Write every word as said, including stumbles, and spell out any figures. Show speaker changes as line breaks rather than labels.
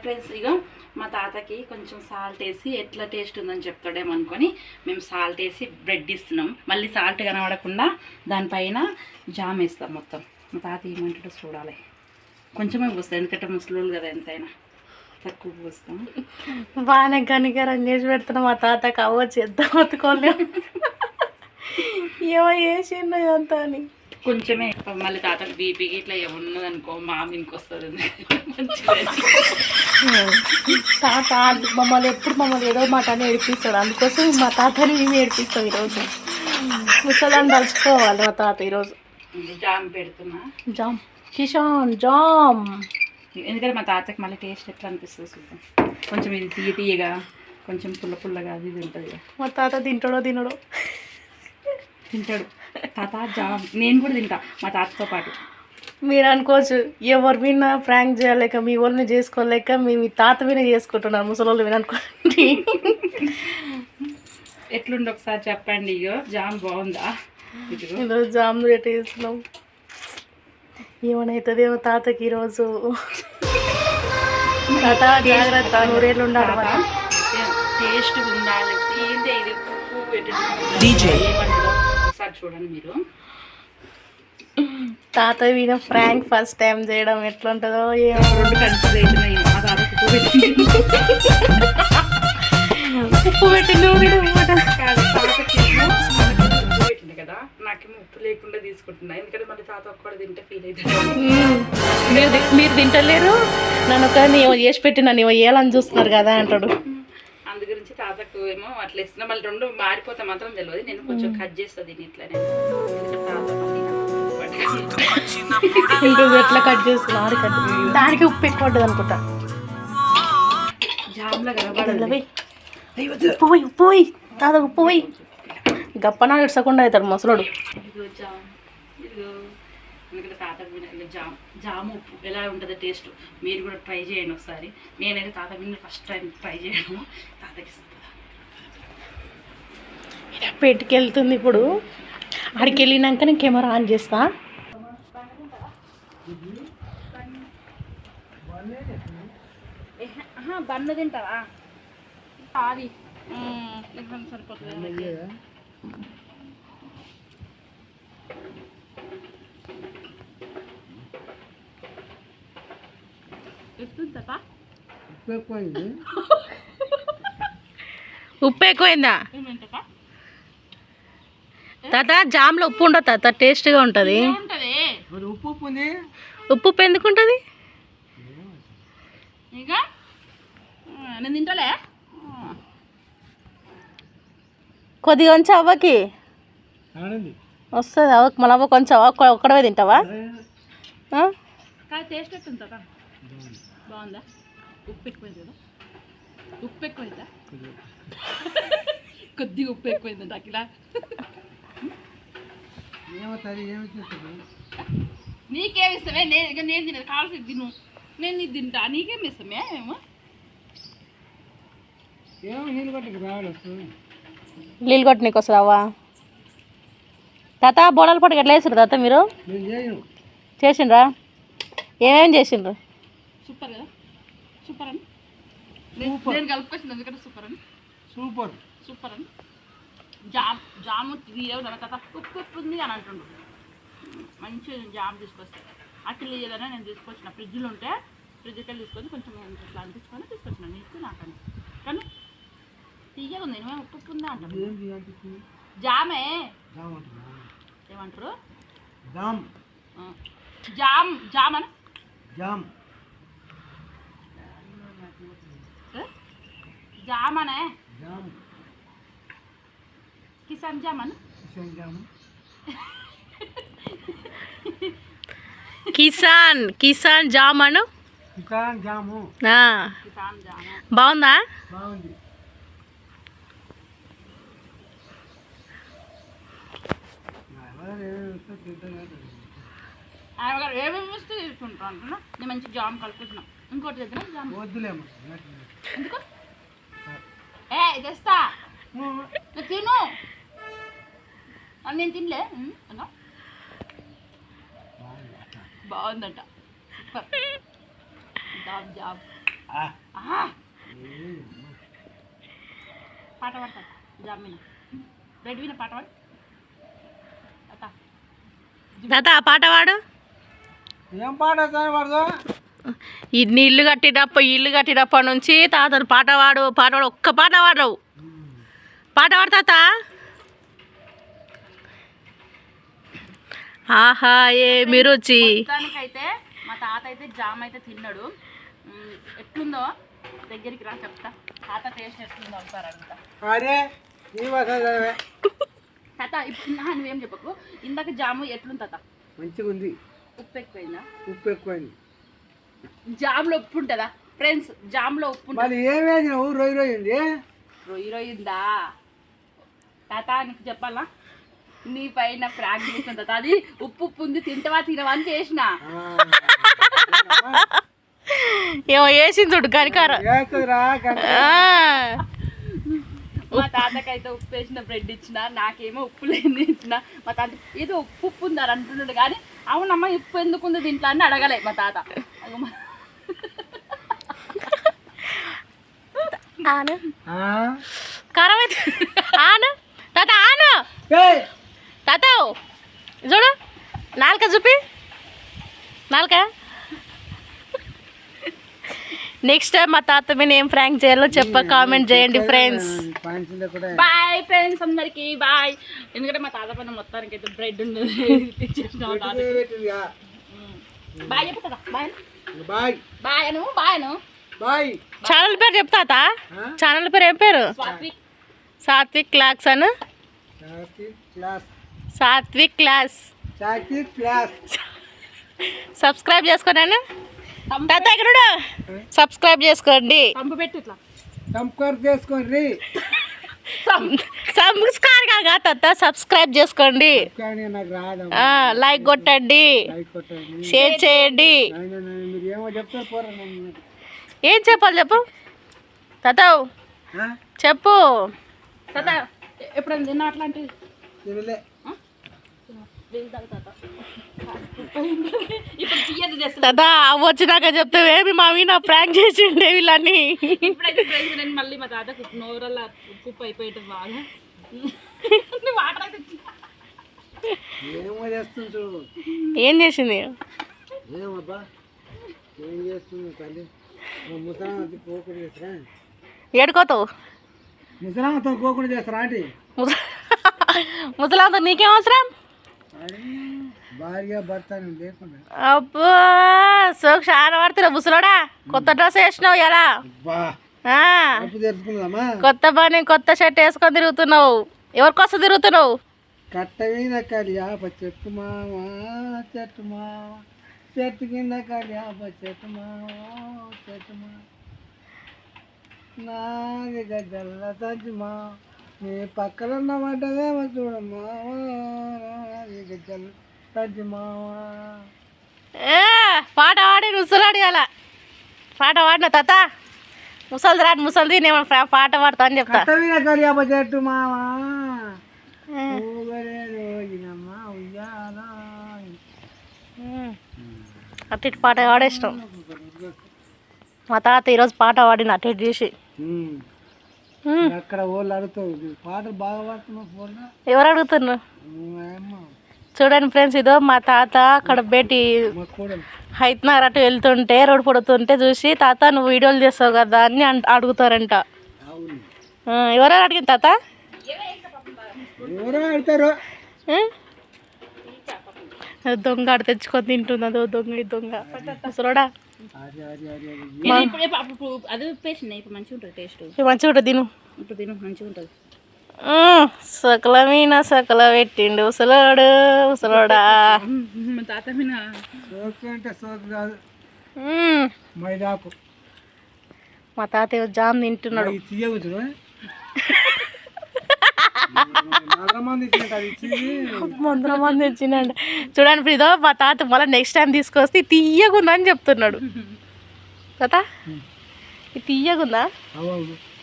Friends, ఇక మా తాతకి కొంచెం సాల్ట్ వేసి ఎట్లా టేస్ట్ ఉందని చెప్తాడేమో అనుకొని మేము సాల్ట్ వేసి బ్రెడ్ ఇస్తున్నాం. మళ్ళీ సాల్ట్ కనబడకుండా దానిపైన జామ్ వేస్తాం మొత్తం. మా తాత ఏమంటాడో చూడాలి. కొంచెమే పోస్తాం, ఎందుకంటే ముసలోళ్ళు కదా, ఎంతైనా తక్కువ పోస్తాం.
బాగానే కనికరం చేసి పెడుతున్నాం. మా తాతకి అవ్వచ్చు ఎంత బతుకోలేము, ఏమో చేసిండు ఇదంతా అని.
కొంచెమే మళ్ళీ తాతకు బీపీకి ఇట్లా ఏమున్నది అనుకో మా మీనికి వస్తుంది.
తాత మమ్మల్ని ఎప్పుడు మమ్మల్ని ఏదో మాట అని ఏడిపిస్తాడు. అందుకోసం మా తాతని మేము ఏడిపిస్తాం. ఈరోజు ముసలాన్ని తలుచుకోవాలి మా తాత. ఈరోజు
జామ్ పెడుతున్నా.
Jam Kissan jam.
ఎందుకంటే మా తాతకి మళ్ళీ టేస్ట్ ఎట్లా అనిపిస్తుంది చూద్దాం. కొంచెం ఇది తీయ తీయగా, కొంచెం పుల్ల పుల్లగా అది ఇది ఉంటుంది.
మా తాత తింటాడో తినడో.
తింటాడు తాత జామ్. నేను కూడా తింటా మా తాతతో పాటు.
మీరు అనుకోవచ్చు ఎవరు విన్నా ఫ్రాంక్ చేయలేక, మీ వాళ్ళని చేసుకోలేక మేము మీ తాత విన చేసుకుంటున్నారు, ముసలోళ్ళు విన అనుకోండి.
ఎట్లుండి ఒకసారి చెప్పండి. ఇగో జామ్ బాగుందా?
ఈరోజు జామ్ రేట్ వేస్తున్నాం. ఏమనవుతుందేమో తాతకి ఈరోజు. తాత జాగ్రత్త, నూరేళ్ళు ఉండాలి.
టేస్ట్ ఉండాలి. ఏంటి ఇది పువ్వు పెట్టి ఒకసారి చూడండి మీరు.
తాత విన ఫ్రాంక్ ఫస్ట్ టైం చేయడం ఎట్లా ఉంటుందో ఏమో.
రెండు కన్ఫ్యూజ్ అవుతున్నాయి. మా తాత ఉప్పు పెట్టింది
ఉప్పు పెట్టింది
పెట్టింది కదా, నాకేమో ఉప్పు లేకుండా తీసుకుంటున్నా. ఎందుకంటే మళ్ళీ తాత ఒక్కడే తింటే ఫీల్ అవుతుంది.
మీరు మీరు తింటలేరు, నన్ను ఒక నీవు చేసి పెట్టి నన్ను వేయాలని చూస్తున్నారు కదా అంటాడు.
అందు గురించి తాతకు ఏమో అట్లా ఇస్తున్నా. మళ్ళీ రెండు మారిపోతే మాత్రం తెలియదు. నేను కొంచెం కట్ చేస్తుంది దీన్ని ఇట్లనే.
ఎట్లా కట్ చేస్తున్నా దానికి ఉప్పు ఎక్కువ ఉంటుంది అనుకుంటా.
జామ్లో కనబడదు.
ఉప్పు పోయి ఉప్పు పోయి తాత ఉప్పు పోయి గప్పనా ఇడ్సకుండా అవుతాడు ముసలోడు.
ఇదిగో జామ్, ఇదిగో. ఎందుకంటే తాత జామ్ జామ్ ఉప్పు ఎలా ఉంటుందో టేస్ట్ మీరు కూడా ట్రై చేయండి ఒకసారి. నేనైతే తాత విన్న ఫస్ట్ టైం ట్రై చేయడం. తాతకి
పెట్టుకు వెళ్తుంది ఇప్పుడు. ఆడికి వెళ్ళినాక నేను కెమెరా ఆన్ చేస్తా.
బన్ను తింటావా? అది సరిపోతుంది.
ఉప్పు ఎక్కువైందా తాత? జామ్లో ఉప్పు ఉండదు తాత, టేస్ట్గా ఉంటుంది. ఉప్పు ఉప్పు ఎందుకు ఉంటుంది?
నేను తింటలే.
కొద్దిగా కొంచెం అవ్వకి వస్తుంది. అవ్వకి మళ్ళీ అవ్వ కొంచెం అవ్వ ఒక్కడవే తింటావా?
టేస్ట్ ఎట్టుందా? బాగుందా? ఉప్పు ఎక్కువైంది కదా? ఉప్పు ఎక్కువైందా? కొద్దిగా ఉప్పు ఎక్కువైంది నాకు. ఇలా నీకేమి ఇస్తామే? నేను ఇక నేను తినదు కావాల్సి తిను. నేను ఇది తింటా, నీకేమి ఇస్తామే? ఏమో
నీళ్ళు కొట్టి నీకు వస్తుంది అవ్వ. తాత బోడాల పొడికి ఎట్లా వేసారు తాత మీరు? చేసిండ్రా? ఏమేమి చేసిండ్రు?
సూపర్ కదా? సూపర్ అని నేను కలుపుకొచ్చింది. ఎందుకంటే సూపర్ అని సూపర్ సూపర్ అని జామ్ జాము తీయవు తాత. ఉప్పు ఉప్పు ఉంది అని అంటుండ్రు. మంచి జామ్ తీసుకొస్తాను. అట్లా లేదనే నేను తీసుకొచ్చిన. ఫ్రిడ్జ్లో ఉంటే ఫ్రిడ్జ్కి వెళ్ళి తీసుకొని కొంచెం ఇట్లా అనిపించుకొని తీసుకొచ్చిన. నీకు నాకని కానీ తీయగా ఉంది. నువ్వే ఉప్పు ఉప్పు ఉందా అంటారు. జామే ఏమంటారు? జామ్ జామ్ జామ్ అని జామ్ జామనే కిసాన్ జామన్
కిసాన్ కిసాన్ జామను
కిసాన్ జాము.
కిసాన్ జాము
బాగుందా?
బాగుంది.
ఏమేమి వస్తే తీసుకుంటాను అంటున్నా. నేను మంచి జామ్ కలుపుతున్నాను. ఇంకోటి దగ్గర జామ్
వద్దులేమో.
ఎందుకు? ఏ తెస్తా తిను. నేను తినలే. బాగుందంట. సూపర్ జాబ్ జాబ్ పాట పాడతా జామిన రెడ్ విన పాట పాడు
తాత ఆ పాట పాడు.
ఏం పాట పాడదు?
ఇన్ని ఇల్లు కట్టినప్ప ఇల్లు కట్టినప్పటి నుంచి తాతను పాట పాడు పాట పాడు ఒక్క పాట పాడవు. పాట పాడు తాత. ఆహా ఏమి రుచి.
అయితే మా తాత అయితే జామ్ అయితే తిన్నాడు. ఎట్లుందో దగ్గరికి రా చెప్తా. తాత టేస్ట్ ఎట్లుందో ఒకసారి అడుగుతా.
అరే
తాత ఇప్పుడు నువ్వేం చెప్పకు. ఇందాక జాము ఎట్లుంది తాత?
మంచిగా ఉంది.
ఉప్పు ఎక్కువైందా?
ఉప్పు ఎక్కువైంది.
జామ్లో ఉప్పు ఉంటుందా ఫ్రెండ్స్? జామ్లో ఉప్పు
ఉంటుంది. ఏమేది నువ్వు రొయ్యి రొయ్యింది
రొయ్యి రొయ్యిందా తాత? నీకు చెప్పాలా నీ పైన ఫ్రాక్ చేసిన తాత. అది ఉప్పు ఉప్పు ఉంది తింటవా తినవా అని చేసిన.
ఏమో వేసింది చూడు కనికారం.
మా తాతకైతే ఉప్పు వేసిన బ్రెడ్ ఇచ్చిన, నాకేమో ఉప్పు లేని ఇచ్చిన. మా తాత ఏదో ఉప్పు ఉప్పు ఉందని అంటున్నాడు కానీ అవునమ్మా ఉప్పు ఎందుకు ఉంది దీంట్లో అని అడగలే మా తాత.
కారం అయితే ఆను తాత ఆను తాత చూడు నాలుక చూపి నాలుక. నెక్స్ట్ టైం మా తాత మీద ఏం ఫ్రాంక్ చేయాలో చెప్ప కామెంట్ చేయండి ఫ్రెండ్స్.
బాయ్ ఫ్రెండ్స్ అందరికి బాయ్. ఎందుకంటే మా తాత పైన మొత్తానికి అయితే బ్రెడ్ ఉండదు. బాయ్ చెప్పు కదా. బాయ్ బాయ్ బాయ్ అను బాయ్ అను బాయ్.
ఛానల్ పేరు చెప్తా. ఛానల్ పేరు ఏం పేరు?
సాత్విక్
సాత్విక్ క్లాస్ అను. సాత్విక్ క్లాస్ సబ్స్క్రైబ్ చేసుకోండి. తాత ఇక్కడ సబ్స్క్రైబ్ చేసుకోండి.
పంపు పెట్టు ఇట్లా
సబ్స్క్రైబ్ చేసుకోండి.
సబ్స్క్రైబ్ కాగా తాత సబ్స్క్రైబ్ చేసుకోండి. లైక్ కొట్టండి, షేర్ చేయండి. ఏం చెప్పాలి చెప్పు తాత చెప్పు.
తాత ఎప్పుడైనా తిన్నా అట్లాంటివి?
తాత వచ్చినాక చెప్తావేమి మా నా ప్రాంక్ చేసిండే వీళ్ళని.
ఇప్పుడైతే ఫ్రెండ్స్ నేను మళ్ళీ మా తాత నోరల్లా కుప్పు అయిపోయేది బాగా. వాటర్ అయితే
ఏం చేసింది? ఏడుకోతావు?
ముసలాంతో కోకుండా చేస్తారా ఆంటీ?
ముసలాంతో నీకేం అవసరం?
భార్య భర్త లేకుండా.
అబ్బా సోకు చాలా పడుతున్నా ముసలోడా. కొత్త డ్రెస్ వేసినావు ఎలా? కొత్త పని కొత్త షర్ట్ వేసుకొని తిరుగుతున్నావు. ఎవరి కోసం తిరుగుతున్నావు?
కట్ట మీద కలియాప చెట్టు మావా చెట్టు మావా చెట్టు కింద కలియాప చెట్టు మావా చెట్టు మావా నాది గజ్జల్ల తజ్మా నీ పక్కన ఉన్నమాటదేమో చూడమ్మా నాది గజ్జల్ల తజ్మావా.
పాట పాడి ముసలాడి అలా పాట పాడిన తాత. ముసలిది రాడు ముసలిది నేను పాట పాడతా అని చెప్తా.
కట్ట మీద కలియాప చెట్టు మావా
అటు ఇటు పాట పాడేసినాం. మా తాత ఈరోజు పాట పాడిన అటు ఇటు చేసి.
అక్కడ వాళ్ళు అడుగుతారు పాటలు బాగా పాడుతున్నావు.
ఎవరు అడుగుతున్నారు? చూడండి ఫ్రెండ్స్, ఇదో మా తాత అక్కడ బేటి హైత్నగర్ అటు వెళ్తుంటే రోడ్డు పడుతుంటే చూసి తాత నువ్వు వీడియోలు చేస్తావు కదా అని అడుగుతారంట. ఎవరెవరు అడిగింది తాత? దొంగ ఆడ తెచ్చుకొని తింటుంది. అదో దొంగ ఈ దొంగ అసలుడా.
అది ఉప్పేసింది ఇప్పుడు మంచిగా ఉంటుంది టేస్ట్.
మంచిగా ఉంటుంది తిను.
ఇప్పుడు తిను మంచిగా ఉంటుంది.
సకల మీన సకల పెట్టిండు ఉసలోడు ఉసలోడా.
తాత మీన
అంటే సోకు కాదు మైదాకు.
మా తాత జామ్ తింటున్నాడు. వందల మంది వచ్చిందండి. చూడండి ఫ్రీదో మా తాత మళ్ళీ నెక్స్ట్ టైం తీసుకొస్తే తీయగుందా అని చెప్తున్నాడు. తాత ఇది తీయగుందా?